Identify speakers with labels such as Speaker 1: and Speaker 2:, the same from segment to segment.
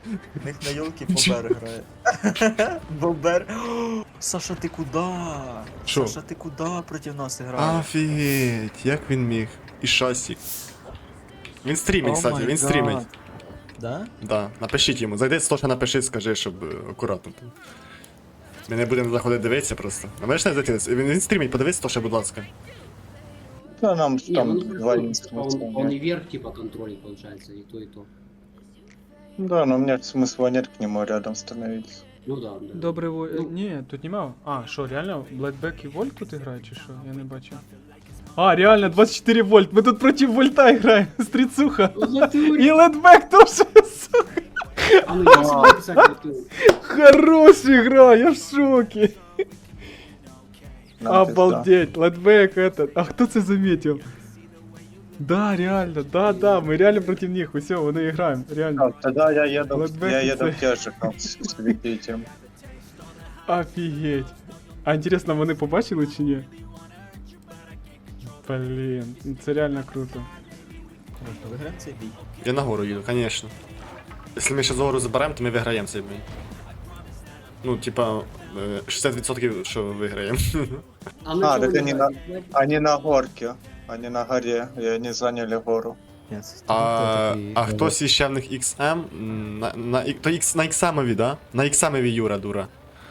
Speaker 1: У них на ёлки Бобер грає. Бобер. О, Саша, ти куда?
Speaker 2: Шо?
Speaker 1: Саша, ти куда проти нас граєш?
Speaker 2: Офігеть, як він міг. І шасі. Він стрімить, кстати, він стрімить.
Speaker 1: Да?
Speaker 2: Да, напишіть йому. Зайди, Стоша, напиши, скажи, щоб акуратно. Ми не будемо заходити дивитися просто. А можеш не зайти? Він стрімить, подивись, Стоша, будь ласка.
Speaker 3: Да, нам
Speaker 4: Не,
Speaker 3: там
Speaker 4: ну
Speaker 3: два
Speaker 4: он,
Speaker 3: инструмента.
Speaker 4: он и вверх типа контролит получается, и то, и то.
Speaker 3: Да, но у меня смысла нет к нему рядом становиться.
Speaker 4: Ну да, да.
Speaker 5: Добрий во...
Speaker 4: Ну.
Speaker 5: Ні, тут нема. А, що, реально? Blackback і Вольт тут грають, чи що? Я не бачу. А, реально, 24 вольт. Ми тут проти вольта граємо. Стріцуха. І Ледбек теж, сука.
Speaker 4: А ну я себе писать готов.
Speaker 5: Хороша гра, я в шокі.
Speaker 3: Нам пизда.
Speaker 5: Обалдеть, Ледбек этот. А хто це заметил? Да, реально, да, ми реально проти них. Усе, вони граємо, реально.
Speaker 3: А, тогда я еду,
Speaker 5: Blackback
Speaker 3: я
Speaker 5: и
Speaker 3: еду
Speaker 5: Ц.
Speaker 3: в те же, как с Викитием.
Speaker 5: Офігеть. А інтересно, вони побачили чи ні? Блін, це реально круто.
Speaker 1: Виграємо цей бій.
Speaker 2: Я нагору їду, конечно. Якщо ми ще зору заберемо, то ми виграємо цей бій. Ну, типа, 60% що виграємо.
Speaker 4: А, ну
Speaker 3: А,
Speaker 4: чё
Speaker 3: так
Speaker 4: вы
Speaker 3: они
Speaker 4: не
Speaker 3: на,
Speaker 4: знаете?
Speaker 3: они на горке, они на горе, и они заняли гору.
Speaker 1: Ні, це
Speaker 2: А хтось іще в них XM, то X, на XM-ові, да? На XM-ові Юра, дура.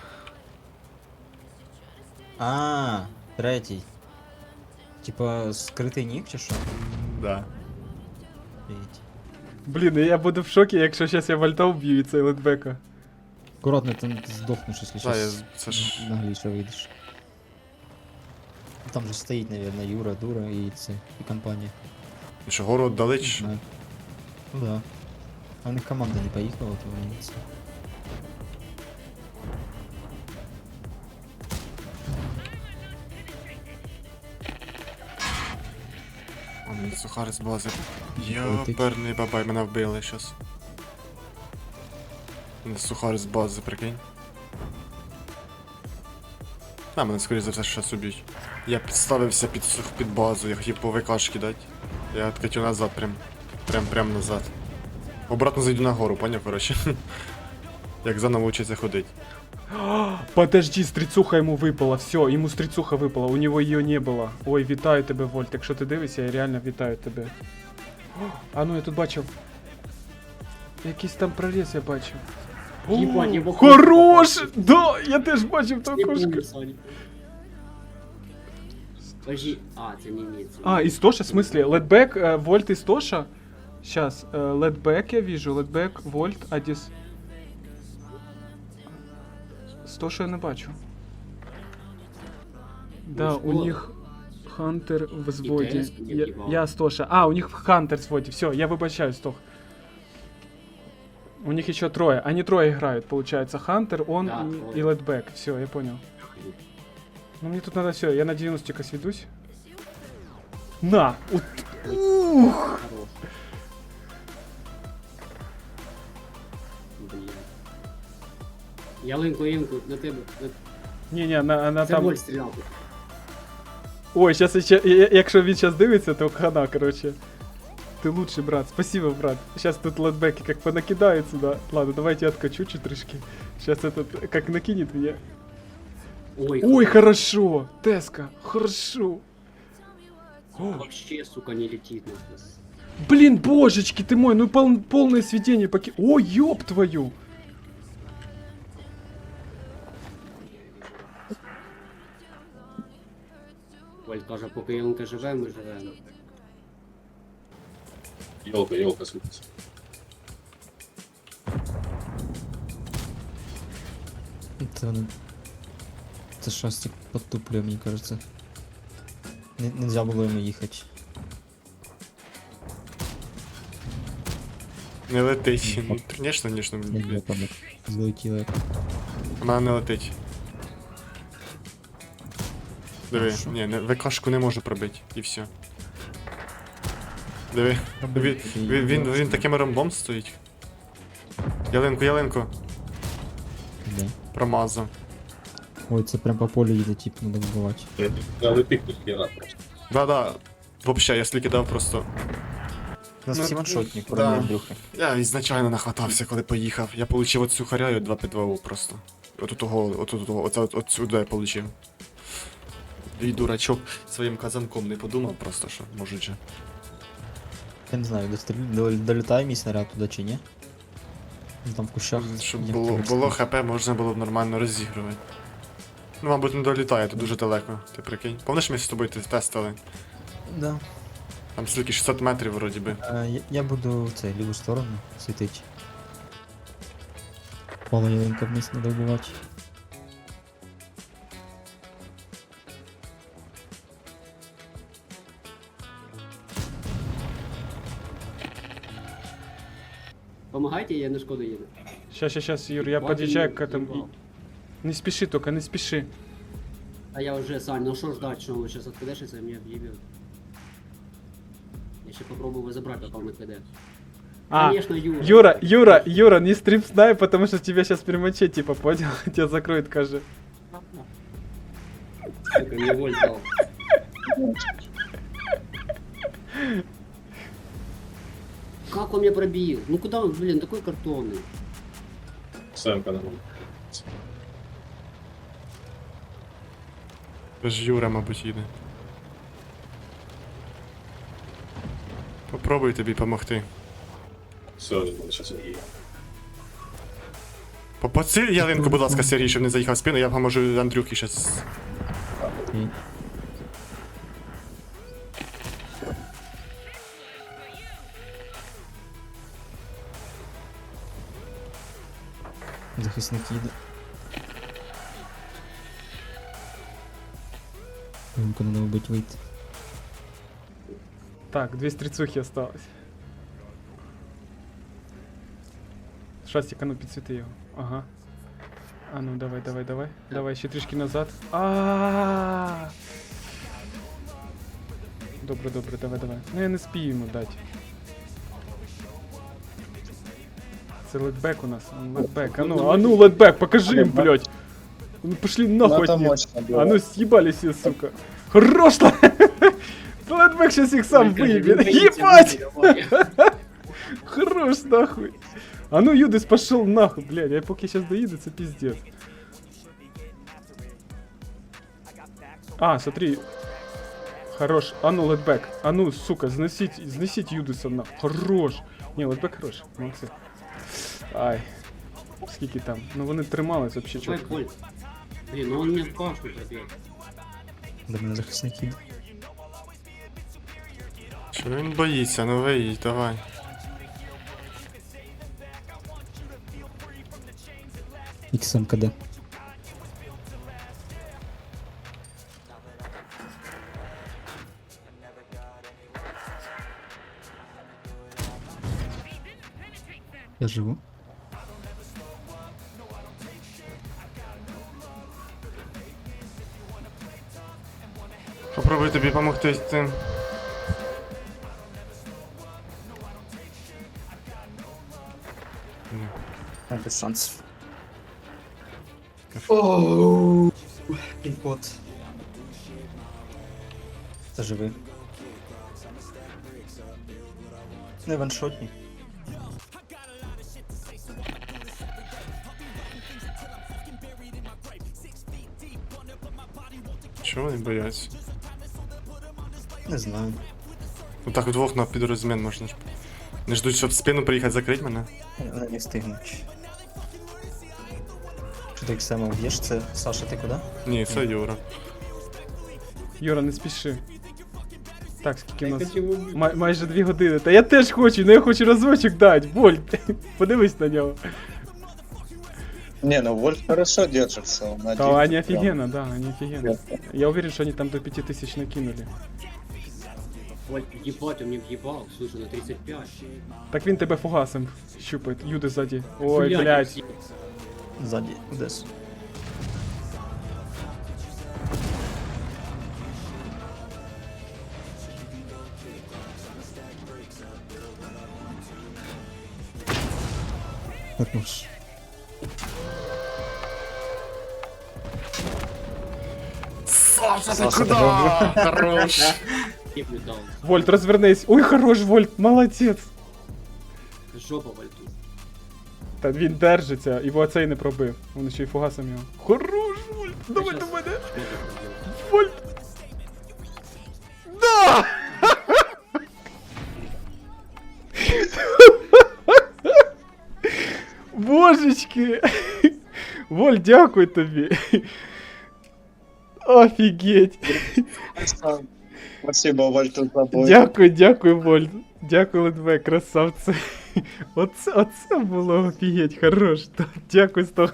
Speaker 1: А, третій. Типа скритий нік чи що?
Speaker 2: Да.
Speaker 1: Офігеть.
Speaker 5: Блін, я буду в шокі, якщо зараз я вольта вб'ю і цей Ледбека.
Speaker 1: Аккуратно, ти здохнеш, якщо
Speaker 2: Да,
Speaker 1: щас
Speaker 2: це ж...
Speaker 1: нагліше вийдеш. Там же стоїть, наверное, Юра, Дура і це, і компанія.
Speaker 2: Що, гору віддали чи
Speaker 1: Не
Speaker 2: що?
Speaker 1: знаю. Ну да. А в них команда не поїхала, то вони це.
Speaker 2: О, мені сухар з бази. Йоперний бабай, мене вбили щас. Мене сухар з бази, прикинь. А, мене скоріше за все щас уб'ють. Я підставився під базу, я хотів по ВКшки дати. Я откатю назад, прям назад. Обратно зайду на гору, поняв, коротше. Як заново вчиться ходить.
Speaker 5: Подожди, стріцуха йому випала, все, йому стріцуха випала, у нього її не було. Ой, вітаю тебе, Вольт, якщо ти дивишся, я реально вітаю тебе. А ну я тут бачив. Якийсь там проріз я бачив.
Speaker 4: Ебать, я в окошко
Speaker 5: Хорош!
Speaker 4: попал.
Speaker 5: Да, я теж бачив то
Speaker 4: Не
Speaker 5: окошко.
Speaker 4: помню, Саня. Подожди, а, это не имеется.
Speaker 5: А, Истоша, в смысле? Ледбэк, Вольт, Истоша? Сейчас, Ледбэк я вижу, Ледбэк, Вольт, Адис. Стоша я не бачу. Да,
Speaker 4: Ну,
Speaker 5: у
Speaker 4: шкода.
Speaker 5: них Хантер в взводі.
Speaker 4: ТС не
Speaker 5: Я,
Speaker 4: в'їбав.
Speaker 5: я Стоша. А, у них Хантер в взводі. Все, я вибачаюсь, Стох. У них еще трое. Они трое играют, получается. Хантер, он
Speaker 4: Да,
Speaker 5: и
Speaker 4: трое.
Speaker 5: Ледбэк. Все, я понял. Ну мне тут надо все, я на 90 сведусь. На! Ух!
Speaker 4: Хорош. Блин. Ялинку, на тебе.
Speaker 5: Не-не, она
Speaker 4: Це
Speaker 5: там...
Speaker 4: Воль стріляв.
Speaker 5: Ой, сейчас, якщо він сейчас дивиться, то хана, короче. Ты лучший, брат. Спасибо, брат. Сейчас тут лотбеки как понакидают сюда. Ладно, давайте я откачу чутрешки. Сейчас этот как накинет меня.
Speaker 4: Ой,
Speaker 5: Ой, хорошо. Теска, хорошо. О,
Speaker 4: Вообще, сука, не летит на нас.
Speaker 5: блин, божечки ты мой, ну полное сведение поки... О, ёб твою.
Speaker 4: Воль каже, поки ялинка живе, ми живемо.
Speaker 6: Елка светится.
Speaker 1: Це шастик подтуплює, мені кажется. Нельзя було йому їхати.
Speaker 2: Не летить. Ну, конечно, блядь.
Speaker 1: Злетіло.
Speaker 2: Вона не летить. Диви,
Speaker 1: Що?
Speaker 2: ні, ВКшку не можу пробити, і все. Диви, він таким ромбом стоїть. Ялинку,
Speaker 1: Да.
Speaker 2: промазав.
Speaker 1: Ой, це прям по полю їде, тип, надо вбивати.
Speaker 6: Надо пикнуть хера просто.
Speaker 2: Да-да, вообще, я сліки дав просто.
Speaker 1: У нас
Speaker 2: Ну,
Speaker 1: всі ваншотні,
Speaker 2: да.
Speaker 1: кроме Андрюхи.
Speaker 2: Я ізначально нахватався, коли поїхав. Я получив оцю харяю 2 просто. Отсюди я получив. І дурачок своїм казанком не подумав просто, що можуть же.
Speaker 1: Я не знаю, долітає мій снаряд туди чи ні? Ну, там в кущах.
Speaker 2: Щоб
Speaker 1: як
Speaker 2: було,
Speaker 1: там
Speaker 2: було
Speaker 1: сказати.
Speaker 2: ХП, можна було б нормально розігрувати. Ну, мабуть, не долітає, то дуже далеко, ти прикинь. Помниш, ми з тобою тестили?
Speaker 1: Да.
Speaker 2: Там стільки 600 метрів вроді би.
Speaker 1: Я буду в цей ліву сторону світити. Половинка вниз не добувати.
Speaker 4: Помагайте, я на шкоду їду.
Speaker 5: Сейчас, Юр, я подъезжаю к этому. Не спеши только, не спеши.
Speaker 4: А я уже, Сань, ну что ждать, что он сейчас откидешься и меня объебет. Я еще попробую его забрать, пока он накидает.
Speaker 5: А,
Speaker 4: Конечно, Юра.
Speaker 5: Юра, не стрип снай, потому что тебя сейчас примочить, типа, понял? Тебя закроет, кажи.
Speaker 4: Сука, мне воль дал. Как он меня пробил? Ну куда он, блин, такой картонный?
Speaker 6: Сэмка нормально.
Speaker 2: Це ж Юра, мабуть, їде. Попробуй тобі допомогти.
Speaker 6: Все, я сейчас не
Speaker 2: Попаси ялинку, будь ласка, Сергій, щоб не заїхав в спину, я поможу Андрюхі щас.
Speaker 1: Окей. Захисник їде. Йому надо вбить вийти.
Speaker 5: Так, 2 стрицухи осталось. Шастик, а ну підсвіти його. Ага. А ну давай. Давай ще трішки назад. А. Добре, давай. Ну я не спію йому дати. Це летбек у нас. Летбек. А ну, летбек, покажи їм, блядь. Ну пошли
Speaker 3: Ну,
Speaker 5: нахуй
Speaker 3: это
Speaker 5: от них.
Speaker 3: мощно было.
Speaker 5: А ну съебались все, сука. Хорош! Летбек сейчас их сам выебет. Ебать! Хорош, нахуй. А ну, Юдис пошел нахуй, блядь. Я поки сейчас доеду, это пиздец. А, смотри. Хорош. А ну, летбек. А ну, сука, зносить Юдиса нахуй. Хорош. Не, летбек хорош. Молодцы. Ай. Скільки там? Ну вони тримались вообще
Speaker 4: Какой
Speaker 5: чітко.
Speaker 4: Коль? Блин, ну он мне в кашу пробил.
Speaker 1: До мене захисник їде.
Speaker 2: Чого він боїться? Ну виїдь, давай.
Speaker 1: XM КД. Я живу.
Speaker 2: Попробуй тобі допомогти з тим.
Speaker 1: Без шансів. Ооо. Пін-код. Це живий. Не ваншотні.
Speaker 2: Чого вони бояться?
Speaker 1: Не знаю.
Speaker 2: Ну так вдвох на підрозмін можна ж. Не ждуть, щоб в спину приїхати закрити мене.
Speaker 1: Вони не встигнуть. Що ти XM вб'єш? Це Саша, ти куди?
Speaker 2: Ні, це Юра.
Speaker 5: Юра, не спіши. Так, скільки
Speaker 4: Я
Speaker 5: у нас?
Speaker 4: хочу его убить.
Speaker 5: Майже 2 години. Та я теж хочу, але я хочу разочок дати. Боль, подивись на нього.
Speaker 3: Не, ну Вольф хорошо держится. Он
Speaker 5: Да,
Speaker 3: один
Speaker 5: они
Speaker 3: прям.
Speaker 5: офигенно, да, они офигенно. Я уверен, что они там до 5000 накинули.
Speaker 4: Коль, ебать, он мне въебал, слушай, на 35.
Speaker 5: Так він тебе фугасом щупает. Юди сзади. Ой, блядь.
Speaker 1: Ззаді, десь. Хорош.
Speaker 2: Саша, ти
Speaker 1: Саша,
Speaker 2: куди?
Speaker 1: ти
Speaker 2: Хорош.
Speaker 4: Киплю дал.
Speaker 5: Вольт, розвернись. Ой, хорош, Вольт, молодець.
Speaker 4: Жопа вальту.
Speaker 5: Та він держиться, і оцей не пробив. Він ще й фугасом його. Хорош, Вольт, давай до мене. Вольт. Да! Божечки! Вольт, дякую тобі. Офігеть.
Speaker 3: Спасибо, Вальтер, за бой.
Speaker 5: Дякую, Вольт. Дякую, Ледве, красавце. Оце було офігеть, хорош. Дякую, Сто.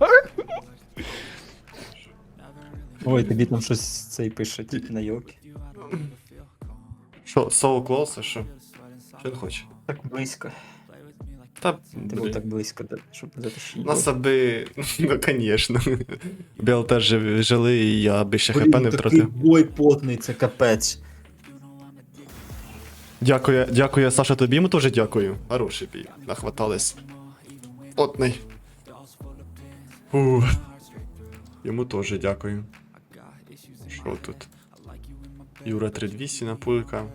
Speaker 1: Ой, тобі там щось цей пише, тільки на йоки.
Speaker 2: Що, so close, а що? Що він хоче?
Speaker 1: Так близько.
Speaker 2: Та,
Speaker 1: Ти був так близько, щоб затащити.
Speaker 2: нас аби, ну, конечно. Біл теж жили, і я аби ще хп не
Speaker 1: Такий
Speaker 2: втратив.
Speaker 1: бой потний, це капець.
Speaker 2: Дякую, Саша, тобі йому теж дякую. Хороший бій, нахватались. Потний. Фух. Йому теж дякую. Що тут? Юра 3200 пулька.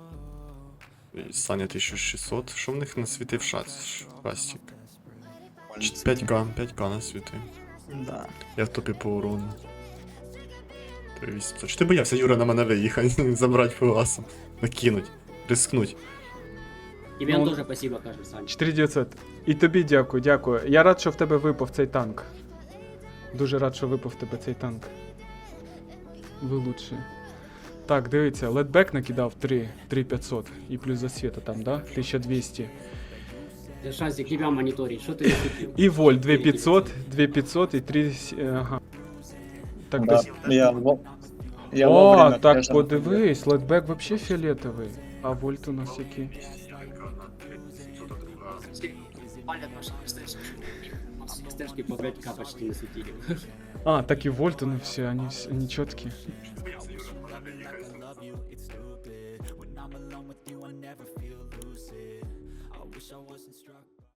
Speaker 2: Саня 1600. Що в них насвітив шастик? 5к насвітив.
Speaker 1: Да.
Speaker 2: Я в топі по урону. 3800. Чи ти боявся, Юра, на мене виїхати, забрати фугасом? Накинуть, рискнуть.
Speaker 4: Тебе
Speaker 5: Ну,
Speaker 4: тоже спасибо, кажем, Саня.
Speaker 5: 4900. І тобі дякую. Я рад, що в тебе випав цей танк. Дуже рад, що випав в тебе цей танк. Ви лучші. Так, дивіться, ледбек накидав 3500 і плюс засвіта там, да? 1200.
Speaker 4: Шазик, тебя мониторить, что ты не купил?
Speaker 5: І вольт 2500 і 3... Ага. Так,
Speaker 3: Да,
Speaker 5: десь...
Speaker 3: я
Speaker 5: О,
Speaker 3: вовремя
Speaker 5: так
Speaker 3: теж
Speaker 5: подивись, ледбек вообще фіолетовий. А вольт у нас який?
Speaker 4: Палят наши стежки. Стежки по 5к почти насветили.
Speaker 5: А, так и вольт, ну все, они четкие.
Speaker 7: I wish I wasn't struck